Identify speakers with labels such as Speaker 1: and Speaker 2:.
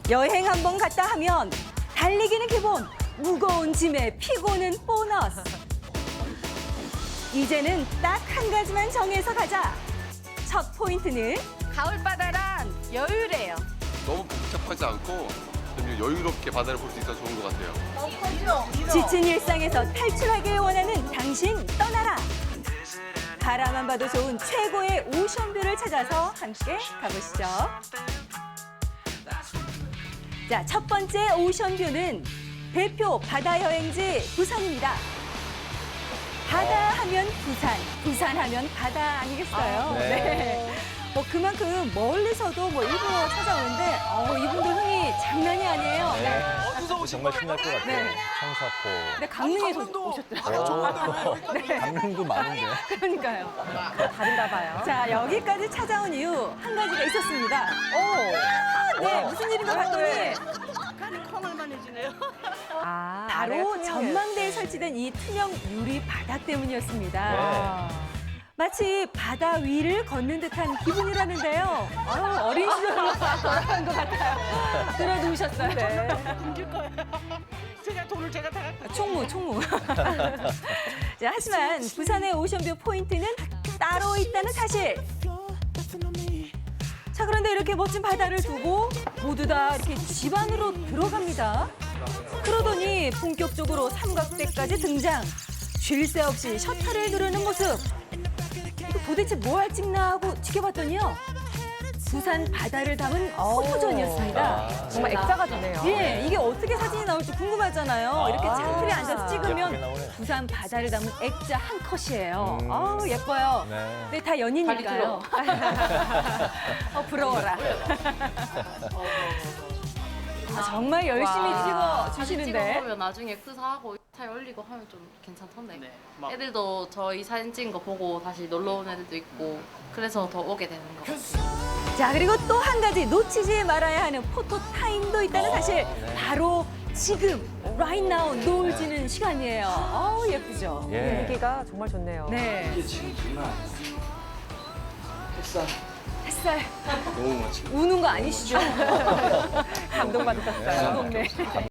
Speaker 1: 여행 한번 갔다 하면 달리기는 기본, 무거운 짐에 피고는 보너스. 이제는 딱 한 가지만 정해서 가자. 첫 포인트는
Speaker 2: 가을 바다란 여유래요.
Speaker 3: 너무 복잡하지 않고 좀 여유롭게 바다를 볼 수 있어서 좋은 것 같아요.
Speaker 1: 지친 일상에서 탈출하길 원하는 당신 떠나라. 바라만 봐도 좋은 최고의 오션뷰를 찾아서 함께 가보시죠. 자, 첫 번째 오션뷰는 대표 바다 여행지 부산입니다. 바다 하면 부산, 부산 하면 바다 아니겠어요?
Speaker 4: 네.
Speaker 1: 뭐 그만큼 멀리서도 뭐 일부러 찾아오는데 이분들 흥이 장난이 아니에요.
Speaker 4: 네. 정말 신날 것 같아요.
Speaker 1: 네.
Speaker 4: 청사포.
Speaker 1: 근데 강릉에서 오셨더라고요.
Speaker 4: 강릉도 많은데.
Speaker 1: 그러니까요.
Speaker 2: 다른가 봐요.
Speaker 1: 자, 여기까지 찾아온 이유 한 가지가 있었습니다. 네, 무슨 일인가 봤더니 바로 전망대에 설치된 이 투명 유리 바닥 때문이었습니다. 마치 바다 위를 걷는 듯한 기분이라는데요. 어린 시절로 돌아간 것 같아요. 들어놓으셨어요. 네.
Speaker 5: 제가 돈을 제가 다 갖다
Speaker 1: 총무. 자, 하지만 부산의 오션뷰 포인트는 따로 있다는 사실. 자, 그런데 이렇게 멋진 바다를 두고 모두 다 이렇게 집 안으로 들어갑니다. 그러더니 본격적으로 삼각대까지 등장. 쉴 새 없이 셔터를 누르는 모습. 이거 도대체 뭐 할 찍나 하고 지켜봤더니요. 부산 바다를 담은 포토전이었습니다.
Speaker 2: 정말 액자가 되네요.
Speaker 1: 예, 이게 어떻게 사진이 나올지 궁금하잖아요. 이렇게 차트에 앉아서
Speaker 4: 예쁘게
Speaker 1: 찍으면
Speaker 4: 나오네.
Speaker 1: 부산 바다를 담은 액자 한 컷이에요. 예뻐요.
Speaker 4: 네.
Speaker 1: 근데 다 연인이니까요. 부러워라. 정말 열심히 찍어 주시는데.
Speaker 6: 찍어보면 나중에 그 사하고 잘 올리고 하면 좀 괜찮던데. 애들도 저희 사진 찍은 거 보고 다시 놀러 온 애들도 있고 그래서 더 오게 되는 것 같아요.
Speaker 1: 자, 그리고 또 한 가지 놓치지 말아야 하는 포토 타임도 있다는 사실. 바로 지금, right now, 노을 지는 시간이에요. 예쁘죠?
Speaker 4: 예.
Speaker 2: 분위기가 정말 좋네요.
Speaker 1: 네.
Speaker 7: 이게 지금 정말
Speaker 1: 햇살.
Speaker 7: 너무 멋지고
Speaker 1: 우는 거 아니시죠?
Speaker 2: 감동받으셨어요.
Speaker 1: 네.